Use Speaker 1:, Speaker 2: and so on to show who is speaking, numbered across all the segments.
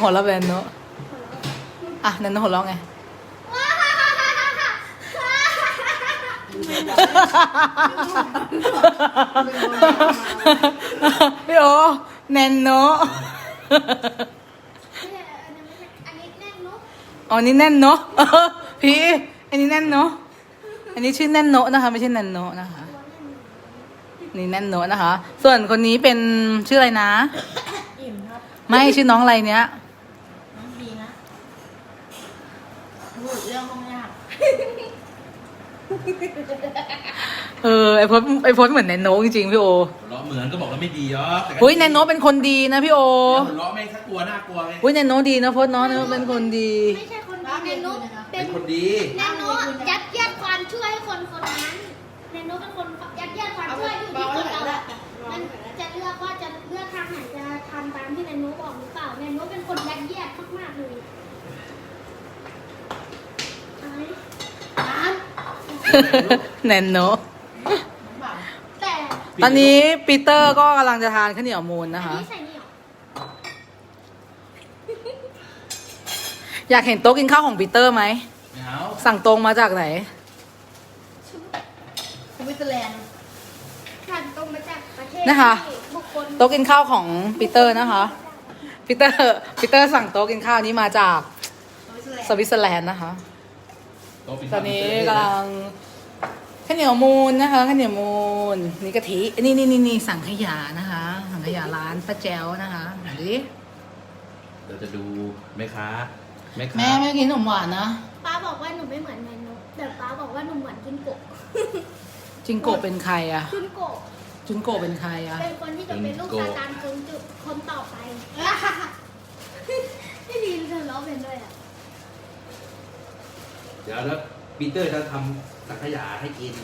Speaker 1: หัวเราะแบบโนอ่ะแนนโนหัวเราะไงพี่โอแนนโนอ๋อนี่แน่นโนพี่อันนี้แน่นโนอันนี้ชื่อแน่นโนนะคะไม่ใช่แนนโนนะคะนี่แน่นโนนะคะ ส่วนคนนี้เป็นชื่ออะไรนะ
Speaker 2: อิ่มครับ
Speaker 1: ไม่ชื่อน้องอะไรเนี้ย
Speaker 2: น้องบีนะพูดเรื่องห้องยาก
Speaker 1: ไอพจน์เหมือนแนนโนจริงๆพี่โอ
Speaker 3: ล้อเหมือนก็บอกแล้วไม่ดีอ๋อ
Speaker 1: อุ้ยแนนโนเป็นคนดีนะพี่โอ
Speaker 3: ล้อไม่ถ้ากลัวน่ากลัวไง
Speaker 1: อุ้ยแนนโนดีนะพจน์เนาะแนนโนเป็นคนดี
Speaker 4: ไม่ใช่คนดีแนนโน
Speaker 3: เป็นคนดี
Speaker 4: แนนโนยัดเยียดความช่วยให้คนคนนั้นแนนโนเป็นคนยัดเยียดความช่วยอยู่ที่คนเรามันจะเลือกว่าจะเลือกทางไหนจะทำตามที่แนนโนบอกหรือเปล่าแนนโนเป็นคนยัดเยียดมากๆเลย
Speaker 1: แนนโน
Speaker 4: แต่
Speaker 1: ตอนนี้ปีเตอร์ก็กำลังจะทานข้าวเหนียวมูนนะคะ
Speaker 4: ใส่นี่หรอ
Speaker 1: อยากเห็นโต๊ะกินข้าวของปีเตอร์ไหม
Speaker 3: ไม่เอา
Speaker 1: สั่งตรงมาจากไหน
Speaker 2: สวิตเซอร์แลนด์
Speaker 4: ผ่านตรงมาจากประเทศ
Speaker 1: นะคะ
Speaker 4: บุคคล
Speaker 1: โต๊ะกินข้าวของปีเตอร์นะคะปีเตอร์สั่งโต๊ะกินข้าวนี้มาจากสวิตเซอร์แลนด์นะคะตอนนี้กำลังข้าวเหนียวมูนนะคะข้าวเหนียวมูนนี่กะทินี่สั่งขยะนะคะสั่งขยะร้านป้าแจ๋วนะคะดูดิ
Speaker 3: เดี๋ยวจะดูแม่ค้า
Speaker 1: แม่ไม่กินขนมหวานนะ
Speaker 4: ป้าบอกว่าหนูไม่เหมือนแนนโนแต่ป้าบอกว่าหนูเหมือนจุนโกะ
Speaker 1: จิงโกะเป็นใครอะ
Speaker 4: จุนโกะ
Speaker 1: จุนโกะเป็นใครอะ
Speaker 4: เป็นคนที่จะเป็นลูกซาตานคนต่อไปที่ดีเธอร้องเป็นด้วยอ่ะ
Speaker 3: เดี๋ยวแล้วปีเตอร์จะทำสังขยาให้กิน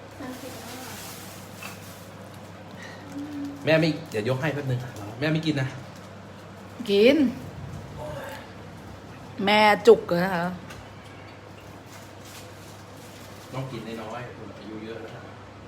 Speaker 3: แม่ไม่เดี๋ยวยกให้แป๊บนึงแม่ไม่กินนะ
Speaker 1: กิน แม่จุกเลยนะคะ
Speaker 3: ต้องกินน้อยๆคนอายุเยอะแล้ว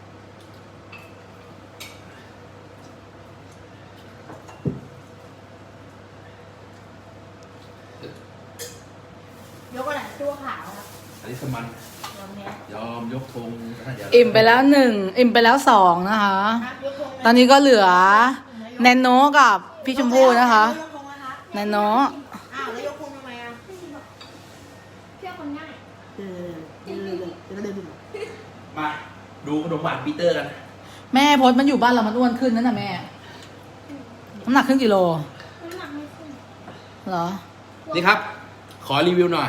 Speaker 2: ยกอะไรตัวขาวครับ
Speaker 3: อันนี้สมัน
Speaker 2: ยอมแพ้
Speaker 3: ยอมยกธงเดี๋ยว
Speaker 1: อิ่มไปแล้ว1อิ่มไปแล้ว2นะคะ
Speaker 2: ครับยกธงเลย
Speaker 1: ตอนนี้ก็เหลือแนนโนกับพี่ชมพู่นะคะ
Speaker 2: ยกธงนะครับ
Speaker 1: แนนโน
Speaker 2: อ้าวแล้วยกธงทำไมอ่ะ
Speaker 4: เชื่อคนง่าย
Speaker 3: มาดูขนมหวานปีเตอร์กัน
Speaker 1: แม่พดมันอยู่บ้านเรามันอ้วนขึ้นนั่นน่ะแม่น้ำหนักขึ้นกี่โล
Speaker 4: น้ำหนักไม่ขึ้น
Speaker 1: เหรอ
Speaker 3: นี่ครับ ขอรีวิวหน่อย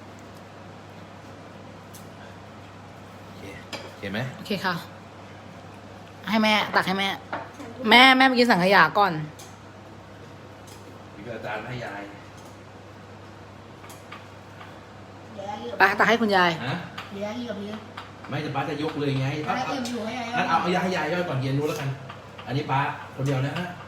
Speaker 3: โอเคไหม
Speaker 1: โอเคค่ะ ให้แม่ตักให้แม่ แม่ไปกินสังขยาก่อน
Speaker 3: มีกระจานให้ยาย
Speaker 1: ไปตักให้คุณยาย
Speaker 3: ฮะ
Speaker 2: เหลือกี่กับนี้
Speaker 3: ไม่จะป้าจะยกเลยไง
Speaker 2: แล้วเอ็มอยู่ให้ไง
Speaker 3: งั้นเอายาให้ยายย่อยก่อนเย็นนู้นแล้วกัน อันนี้ป้าคนเดียวนะฮะ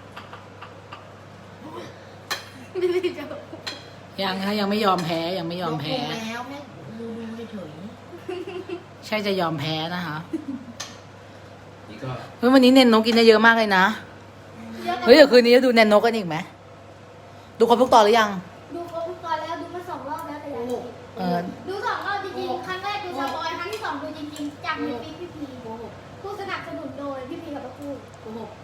Speaker 4: ไม่ได้จะ
Speaker 1: ยังไม่ยอมแพ้ยังไม่ยอมแพ้
Speaker 2: ยกธงแล้วแม่ดูเฉย
Speaker 1: ใช่จะยอมแพ้นะคะ
Speaker 3: นี่ก็
Speaker 1: เฮ้ยวันนี้เนนโนกินได้เยอะมากเลยนะเฮ้ยเดี๋ยวคืนนี้จะดูแนนโนกันอีกไหมดูครบทุกตอนหรือยัง
Speaker 4: ดูครบทุกตอนแล้วดูมา2 รอบแล้วแต่ยังไม่
Speaker 1: เออ
Speaker 4: ดู2 รอบจริงๆ ครั้งแรกดูสปอยครั้งที่ 2ดูจริงๆ จากในปีพี่พีผู้สนับสนุนโดยพี่พีกับป้าพูด
Speaker 2: ๆโกหก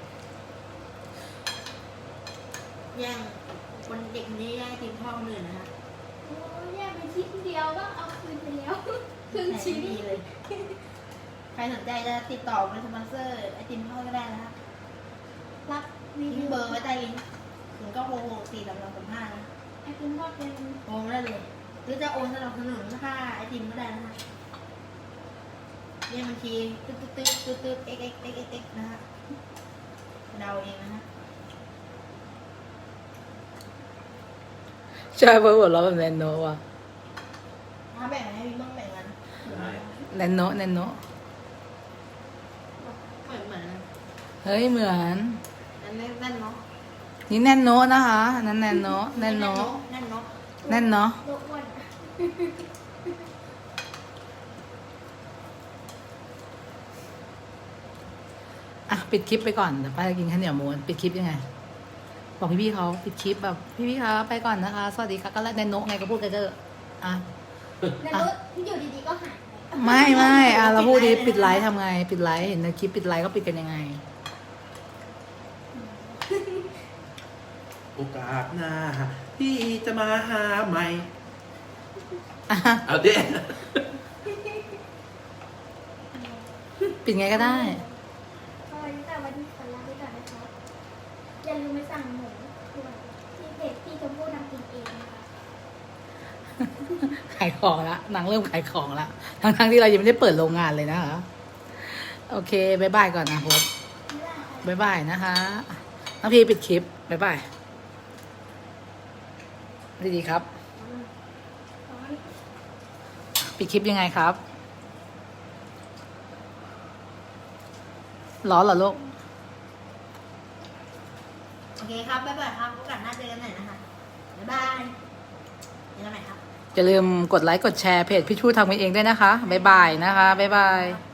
Speaker 2: แย่งคนเด็กคนนี้แย่งทีมพ่อคนอื่นนะคะ
Speaker 4: โอ้ยแยกเป็นชิ้นเดียวก็เอาคืนไปแล้วครึ่งชิ้น
Speaker 2: ดีเลย ใครสนใจจะติดต่อเป็นสปอนเซอร์ไอติมพ่อก็ได้นะครับ
Speaker 4: รับรี
Speaker 2: ทิ้
Speaker 4: วิ
Speaker 2: ง
Speaker 4: ว
Speaker 2: เบอร์ไว้ใต้ลิงก์ถึงก็โทร4 3 2 3 5นะ
Speaker 4: ไอติมทอดเป็น
Speaker 2: โอนได้เลย หรือจะโอนสนับสนุนค่าไอติมก็ได้นะคะเรียกบัญชีตึ๊ดx นะฮะเดาเองนะฮะ
Speaker 1: ใช่เพราะหัวเราะแบบแนนโนว่ะ
Speaker 2: ถ้าแบ่งให้พี่บ้างแบ่งกัน
Speaker 1: แนนโน
Speaker 2: เหมือน
Speaker 1: เฮ้ยเหมือน
Speaker 2: นั่นเนาะ
Speaker 1: นี่แนนโนนะคะนั่นแนนโนแนนโน
Speaker 2: นั่นเนาะ
Speaker 1: แน่นเนาะ
Speaker 4: โลอ้วน
Speaker 1: อ่ะปิดคลิปไปก่อนเดี๋ยวป้าจะกินข้าวเหนียวมูนปิดคลิปยังไงบอกพี่ๆเขาปิดคลิปแบบพี่ๆคะไปก่อนนะคะ สวัสดีค่ะก็แล้วในโนะไงก็พูดกันเถอะอ่ะ
Speaker 4: แนนโน้อยู่ดีๆก็หายไป
Speaker 1: ไม่อ่ะเราพูดดีปิดไลฟ์ทำไง ปิดไลฟ์เห็นในคลิปปิดไลฟ์ก็ปิดกันยังไง
Speaker 3: โอกาสหน้าพี่จะมาหาใหม่
Speaker 1: อ่ะ
Speaker 3: เอาดิ
Speaker 1: ปิดไงก็ได้
Speaker 4: สวัสดีค่ะวันนี้ขอลาไปก่อนนะคะอย่าลืมไปสั่งหมูด้วยที่เพจพี่ชมพู่ทำกินเองนะคะ
Speaker 1: ขายของละนางเริ่มขายของละทั้งที่เรายังไม่ได้เปิดโรงงานเลยนะคะโอเคบายบายก่อนนะโพส
Speaker 4: ไม่ได้ค่ะ
Speaker 1: บายบายนะคะน้องพีปิดคลิปบายบายดีๆครับ ปิดคลิปยังไงครับร้อนเหรอลูก
Speaker 2: โอเคครับ บ๊ายบายครับโอกาสหน้าเจอกันใหม่นะคะ บ๊ายบายเจอกันใหม่ครับ
Speaker 1: อย่าลืมกดไลค์กดแชร์เพจพี่ชูทำกันเองด้วยนะคะบายบายนะคะบายบาย